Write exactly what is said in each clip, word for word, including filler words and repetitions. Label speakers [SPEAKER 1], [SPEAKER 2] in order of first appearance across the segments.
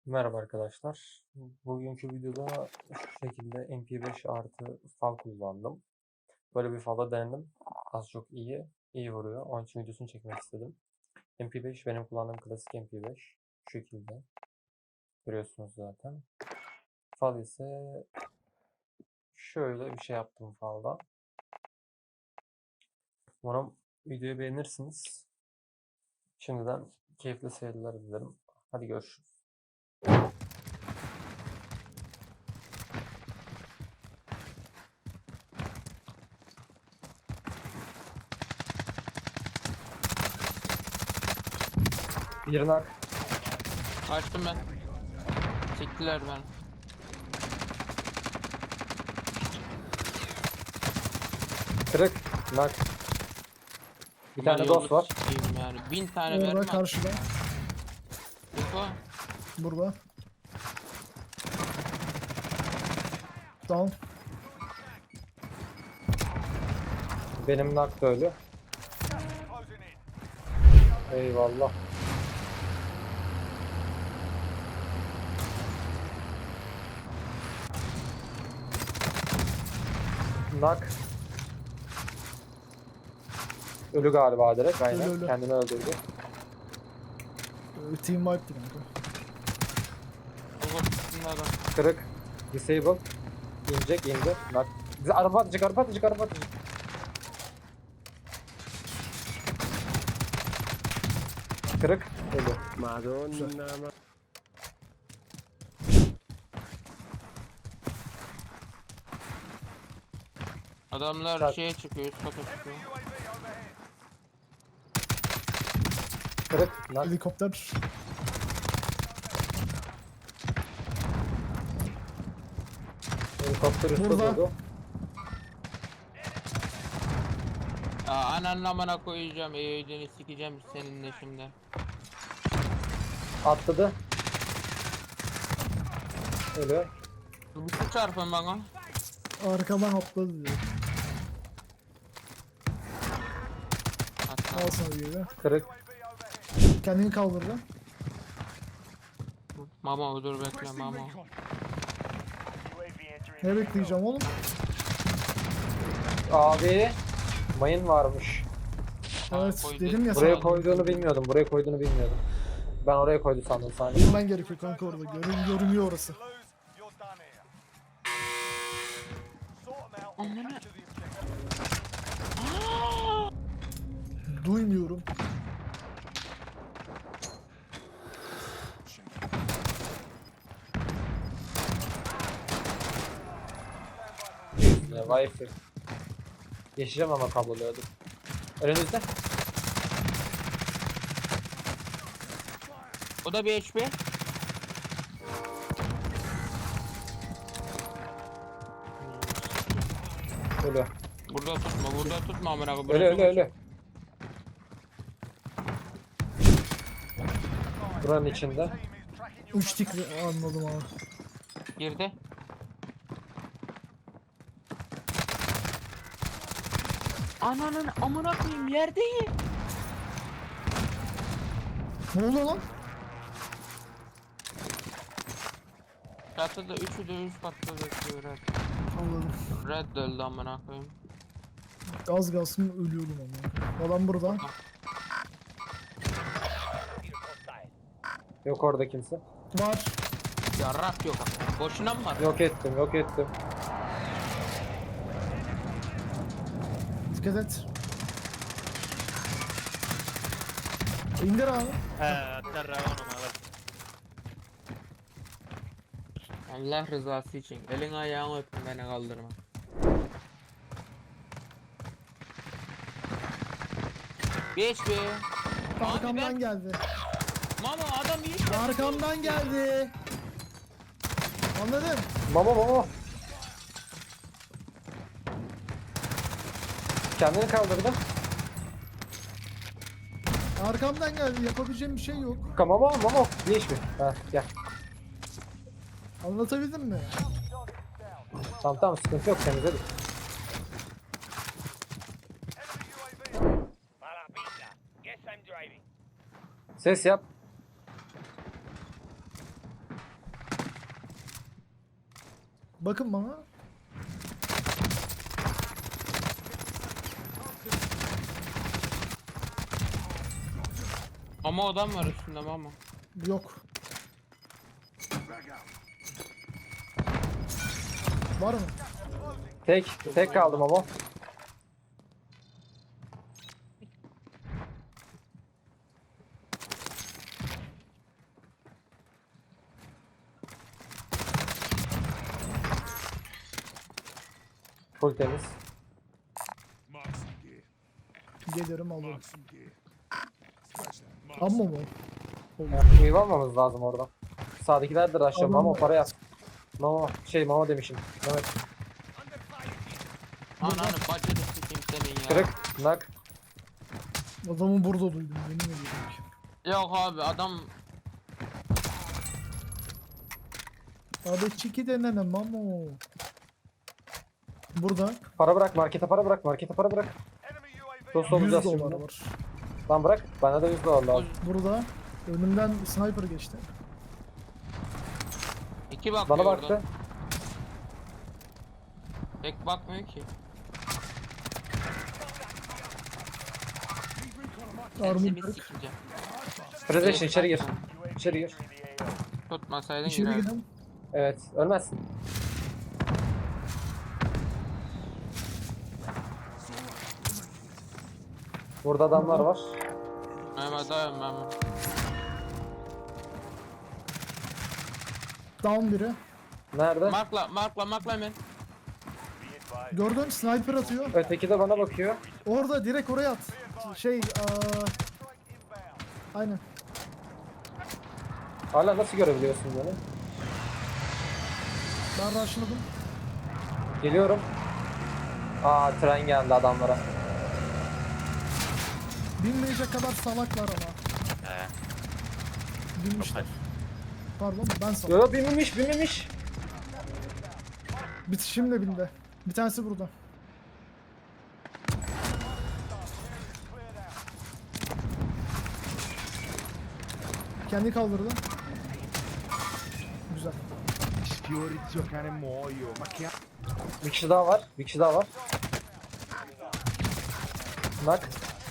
[SPEAKER 1] Merhaba arkadaşlar. Bugünkü videoda şu şekilde M P beş artı fal kullandım. Böyle bir fala denedim. Az çok iyi. iyi vuruyor. Onun için videosunu çekmek istedim. M P beş benim kullandığım klasik M P beş. Şu şekilde. Görüyorsunuz zaten. Fal ise şöyle bir şey yaptım falda. Umarım videoyu beğenirsiniz. Şimdiden keyifli seyirler dilerim. Hadi görüşürüz. Bir nak.
[SPEAKER 2] Açtım ben. Çektiler ben.
[SPEAKER 1] Kırık. Nak. Bir tane
[SPEAKER 2] Yolu
[SPEAKER 1] dost var.
[SPEAKER 2] sikeyim yani. Bin tane
[SPEAKER 3] Orada
[SPEAKER 2] vermem.
[SPEAKER 3] karşıda.
[SPEAKER 2] Info.
[SPEAKER 3] Burada. Down.
[SPEAKER 1] Benim nak da öyle. Eyvallah. Nak. Ölü galiba direkt. Aynen.
[SPEAKER 3] Ölü, ölü.
[SPEAKER 1] Kendini öldürdü.
[SPEAKER 3] Ee, Team wipe'di kanka.
[SPEAKER 2] Over tutsun adam.
[SPEAKER 1] Kırık. Disable. İnecek indi. Nak. Bize araba atacak, araba atacak, araba atacak. Kırık. Ölü.
[SPEAKER 4] Madonna.
[SPEAKER 2] Adamlar
[SPEAKER 1] Çak.
[SPEAKER 2] şeye çıkıyor, üst kata çıkıyor.
[SPEAKER 1] Kırık. Nak.
[SPEAKER 3] Helikopter.
[SPEAKER 1] Helikopter üstte
[SPEAKER 3] Burada.
[SPEAKER 1] durdu.
[SPEAKER 2] Aa, ananın amına koyacağım, eğildiğini sikeceğim seninle şimdi.
[SPEAKER 1] Atladı. Ölü.
[SPEAKER 2] Bir çarpın bana.
[SPEAKER 3] Arkadan atladı diyor.
[SPEAKER 2] Hatta
[SPEAKER 3] Al sana gibi.
[SPEAKER 1] Kırık.
[SPEAKER 3] Kendini kaldırdı.
[SPEAKER 2] mama dur bekle mama.
[SPEAKER 3] Ne bekleyeceğim oğlum?
[SPEAKER 1] Abi. Mayın varmış.
[SPEAKER 3] Evet
[SPEAKER 2] koydu.
[SPEAKER 3] dedim ya
[SPEAKER 1] Buraya
[SPEAKER 3] sana.
[SPEAKER 1] koyduğunu bilmiyordum. Buraya koyduğunu bilmiyordum. Ben oraya koydu sandım saniye.
[SPEAKER 3] Bilmen gerekiyor kanka orada. Görün, görünüyor orası.
[SPEAKER 2] Amına.
[SPEAKER 3] Duymuyorum.
[SPEAKER 1] Ya, Wi-Fi. Geçeceğim ama kabloluyordum. Önünüzde.
[SPEAKER 2] O da bir H P.
[SPEAKER 1] Ölü.
[SPEAKER 2] Burada tutma, burada tutma amına koyayım.
[SPEAKER 1] Ölü ölü ölü. Buranın içinde.
[SPEAKER 3] Üç tik anladım abi.
[SPEAKER 2] Girdi. Ananın amına koyayım yerdeyim.
[SPEAKER 3] Ne oluyor lan?
[SPEAKER 2] Çatıda üçü de üst katta bekliyor Red.
[SPEAKER 3] Anladım.
[SPEAKER 2] Red de öldü amına koyayım.
[SPEAKER 3] Az kalsın ölüyordum ama. Adam burada.
[SPEAKER 1] Yok orada kimse.
[SPEAKER 3] Var.
[SPEAKER 2] Yarrak yok ama. Boşuna mı var?
[SPEAKER 1] Yok ettim yok ettim.
[SPEAKER 3] Dikkat et. İndir abi.
[SPEAKER 2] Allah rızası için. Elin ayağını öpün beni kaldırma. Geç be. Abi
[SPEAKER 3] Arkamdan
[SPEAKER 2] ben...
[SPEAKER 3] geldi.
[SPEAKER 2] Mama adam iyi iş yaptı.
[SPEAKER 3] Arkamdan geldi. Anladın?
[SPEAKER 1] Mama mama. Kendini kaldırdı.
[SPEAKER 3] Arkamdan geldi. Yapabileceğim bir şey yok.
[SPEAKER 1] Mama mama. Değiş mi? Ha gel.
[SPEAKER 3] Anlatabildim mi?
[SPEAKER 1] Tamam tamam sıkıntı yok temizledik. Ses yap.
[SPEAKER 3] Bakın bana.
[SPEAKER 2] Ama adam var üstünde ama.
[SPEAKER 3] Yok. Var mı?
[SPEAKER 1] Tek, tek kaldım ama. Full temiz.
[SPEAKER 3] Gelirim alırım. Amma mı?
[SPEAKER 1] Meyve almamız lazım oradan. Sağdakiler de rush'lıyor.
[SPEAKER 3] Tamam.
[SPEAKER 1] Mama para yaz. Mama şey mama demişim. Mehmet.
[SPEAKER 2] Ananı bacını sikeyim senin ya.
[SPEAKER 1] Kırık. Nak.
[SPEAKER 3] Adamı burada duydum. Yemin ediyorum ki.
[SPEAKER 2] Yok abi adam
[SPEAKER 3] Abi çiki denene mamo. Burada
[SPEAKER 1] Para bırak markete para bırak markete para bırak. Dost
[SPEAKER 3] yüz
[SPEAKER 1] olacağız
[SPEAKER 3] dolar
[SPEAKER 1] şimdi.
[SPEAKER 3] var.
[SPEAKER 1] Lan bırak. Bana da yüz dolar lazım.
[SPEAKER 3] Burada önümden sniper geçti.
[SPEAKER 2] iki bakıyor
[SPEAKER 1] Bana
[SPEAKER 2] oradan.
[SPEAKER 1] baktı.
[SPEAKER 2] Tek bakmıyor ki.
[SPEAKER 3] Armor
[SPEAKER 2] Seni
[SPEAKER 3] kırık.
[SPEAKER 2] sikeceğim.
[SPEAKER 1] Presentation içeri gir. İçeri gir.
[SPEAKER 2] Tutmasaydın
[SPEAKER 3] İçeri
[SPEAKER 2] girerdim.
[SPEAKER 3] gidelim.
[SPEAKER 1] Evet. Ölmezsin. Burada adamlar var.
[SPEAKER 2] Mehmet dayan Mehmet.
[SPEAKER 3] Down biri.
[SPEAKER 1] Nerede?
[SPEAKER 2] Markla markla markla hemen.
[SPEAKER 3] Gördün sniper atıyor.
[SPEAKER 1] Öteki de bana bakıyor.
[SPEAKER 3] Orada direkt oraya at. Şey aa... Aynen.
[SPEAKER 1] Hala nasıl görebiliyorsun beni?
[SPEAKER 3] Ben rushladım.
[SPEAKER 1] Geliyorum. Aa tren geldi adamlara.
[SPEAKER 3] Binmeyecek kadar salaklar ama.
[SPEAKER 4] He.
[SPEAKER 3] Binmişler. Pardon ben
[SPEAKER 1] Yo
[SPEAKER 3] salak.
[SPEAKER 1] yo binmemiş binmemiş.
[SPEAKER 3] Bitişim de bindi. Bir tanesi burada. Kendi kaldırdı. Güzel.
[SPEAKER 5] Sfiorizio cane muoio, ma che
[SPEAKER 1] Bir kişi daha var. Bir kişi daha var. Bak.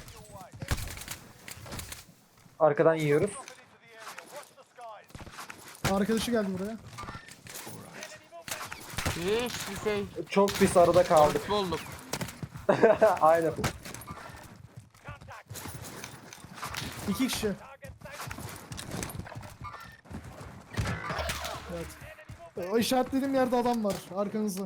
[SPEAKER 1] Arkadan yiyoruz.
[SPEAKER 3] Arkadaşı geldi buraya.
[SPEAKER 2] Hiçbir şey.
[SPEAKER 1] Çok pis arada kaldık.
[SPEAKER 2] Orospu olduk.
[SPEAKER 1] Aynen.
[SPEAKER 3] İki kişi. Evet. O işaretlediğim yerde adam var. Arkanızda.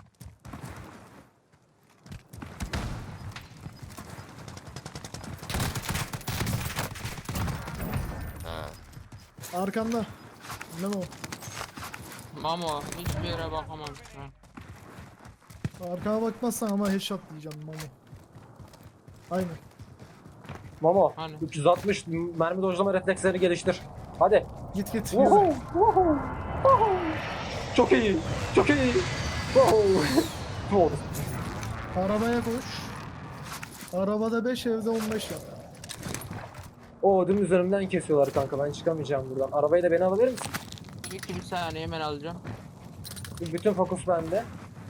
[SPEAKER 4] Ha.
[SPEAKER 3] Arkanda. Ne o?
[SPEAKER 2] Mamo hiçbir yere bakamam şu an.
[SPEAKER 3] Arkana bakmazsan ama headshot diyeceğim Mamo. Aynen.
[SPEAKER 1] Momo.
[SPEAKER 2] Hani?
[SPEAKER 1] üç yüz altmış mermi dojlama reflekslerini geliştir. Hadi.
[SPEAKER 3] Git git.
[SPEAKER 1] Woohoo,
[SPEAKER 3] Yürü.
[SPEAKER 1] woohoo, woohoo. Çok iyi. Çok iyi. Woohoo. Doğru.
[SPEAKER 3] Arabaya koş. Arabada beş evde on beş yap.
[SPEAKER 1] O ödüm üzerimden kesiyorlar kanka. Ben çıkamayacağım buradan. Arabayı da beni alabilir misin?
[SPEAKER 2] İki bir saniye hemen alacağım.
[SPEAKER 1] Bütün fokus bende.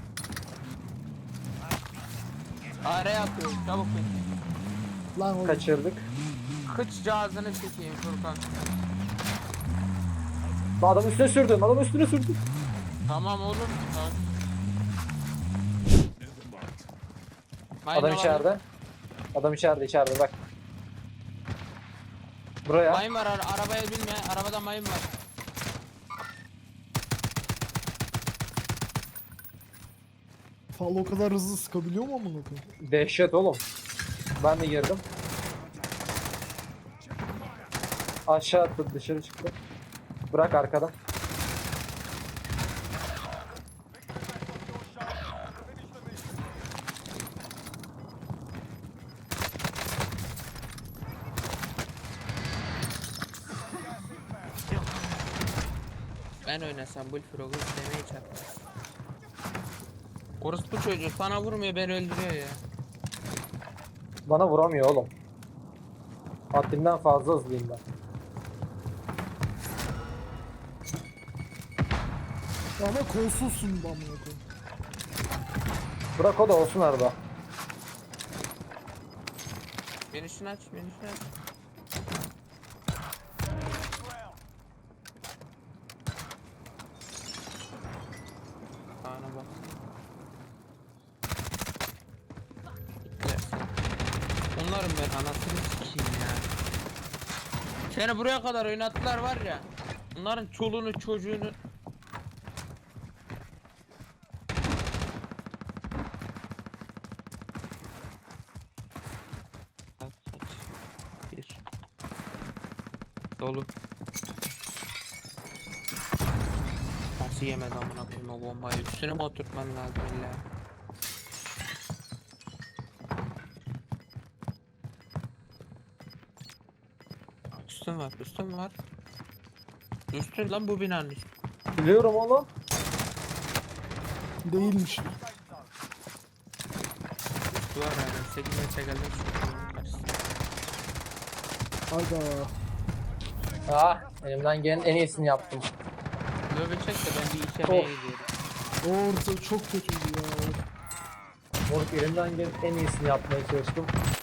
[SPEAKER 2] Araya atıyor çabuk bin.
[SPEAKER 3] Lan oğlum.
[SPEAKER 1] Kaçırdık.
[SPEAKER 2] Kıç cihazını çekeyim Furkan.
[SPEAKER 1] Adam üstüne sürdüm. Adam üstüne sürdüm.
[SPEAKER 2] Tamam oğlum. Tamam. Mayın
[SPEAKER 1] Adam
[SPEAKER 2] var.
[SPEAKER 1] içeride. Adam içeride içeride bak. Buraya.
[SPEAKER 2] Mayın var ara- arabaya binme. Arabada mayın var.
[SPEAKER 3] Fal o kadar hızlı sıkabiliyor mu amına koyayım?
[SPEAKER 1] Dehşet oğlum. Ben de girdim. Aşağı attı dışarı çıktı. Bırak arkada.
[SPEAKER 2] Ben oynasam bu Frog'u istemeye çarpmaz. Orospu çocuğu sana vurmuyor beni öldürüyor ya.
[SPEAKER 1] Bana vuramıyor oğlum. Haddinden fazla hızlıyım ben.
[SPEAKER 3] Ama kolsuzsun bu amına koyayım.
[SPEAKER 1] Bırak o da olsun arada.
[SPEAKER 2] Menüsünü aç, menüsünü aç. Ana bak. Gittiler. Onların ben anasını sikeyim ya. Seni buraya kadar oynattılar var ya. Onların çoluğunu çocuğunu. Kaç, kaç. Bir. Dolu. Nasıl yemedi amına koyayım o bombayı? Üstüne mi oturtman lazım illa? Üstün var, üstün var. Üstün lan bu binanın üstü.
[SPEAKER 1] Biliyorum oğlum.
[SPEAKER 3] Değilmiş.
[SPEAKER 2] Üstü var yani. sekiz metre geldim şu karşısına.
[SPEAKER 3] Aga.
[SPEAKER 1] Ah, elimden gelen en iyisini yaptım.
[SPEAKER 2] Löbe çek de ben bir işemeye
[SPEAKER 1] Of.
[SPEAKER 2] gidiyorum.
[SPEAKER 3] Orta çok kötüydü ya.
[SPEAKER 1] Moruk elimden gelen en iyisini yapmaya çalıştım.